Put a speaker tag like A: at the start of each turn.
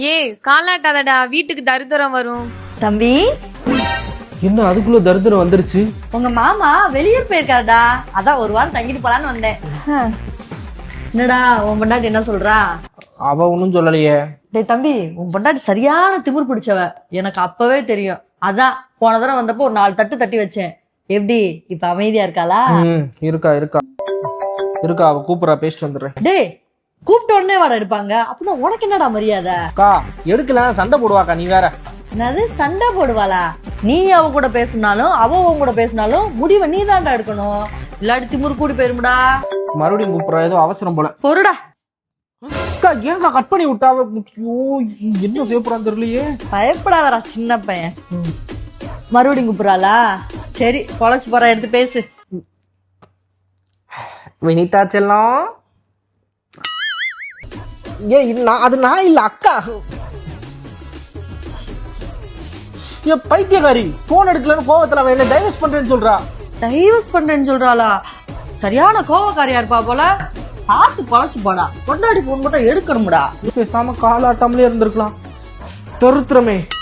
A: ஏய் காலாட்டாதடா, வீட்டுக்கு தரித்திரம் வரும்.
B: தம்பி,
C: என்ன அதுக்குள்ள தரித்திரம் வந்துருச்சு?
B: உங்க மாமா வெளியூர் போயிருக்காருடா, அதான் ஒரு வாரம் தங்கிட்டு போலான்னு வந்தேன். என்னடா உன் பொண்டாட்டி என்ன சொல்றா?
C: அவ ஒன்னும் சொல்லலையே.
B: டேய் தம்பி, உன் பொண்டாட்டி சரியான திமிர் பிடிச்சவ, எனக்கு அப்பவே தெரியும். அதான் போன தடவை வந்தப்போ ஒரு 4 தட்டு தட்டி வச்சேன். எப்படி இப்ப அமைதியா இருக்காளா?
C: இருக்கா இருக்கா இருக்கா அவ கூப்பிடா, பேசிட்டு வந்துடுறேன்.
B: டேய், கூப்பிட்ட உடனே வாடா எடுப்பாங்க, அப்படின்னா உனக்கு என்னடா மரியாதை?
C: அக்கா எடுக்கலன்னா சண்டை போடுவாக்கா, நீ வேற.
B: என்னது சண்டை போடுவாளா? நீ அவ கூட பேசினாலும் அவ உன் கூட பேசினாலும் முடிவை நீ தான்டா எடுக்கணும், இல்லாட்டி திமிரு கூடி போயிருமுடா.
C: மறுபடியும் கூப்பிடுறா, ஏதோ அவசரம் போல.
B: பொருடா.
C: அக்கா ஏங்கா கட் பண்ணி விட்டாவ? என்ன செய்ய போறான்னு தெரியலையே.
B: பயப்படாதடா சின்ன பையன். மறுபடியும் கூப்பிடுறாளா? சரி பொழைச்சு போற, எடுத்து பேசு.
C: வினிதா செல்லம், அது நான் இல்ல அக்கா. என் பைத்தியக்காரி போன் எடுக்கலன்னு கோவத்துல அவன் என்ன டைவர்ஸ் பண்றேன்னு சொல்றா.
B: டைவர்ஸ் பண்றேன்னு சொல்றாளா? சரியான கோவக்காரியா இருப்பா போல. பார்த்து பொழைச்சு போடா, கொண்டாடி போன் மட்டும் எடுக்கணும்டா.
C: பேசாம காலாட்டாமலே இருந்திருக்கலாம். தருத்திரமே.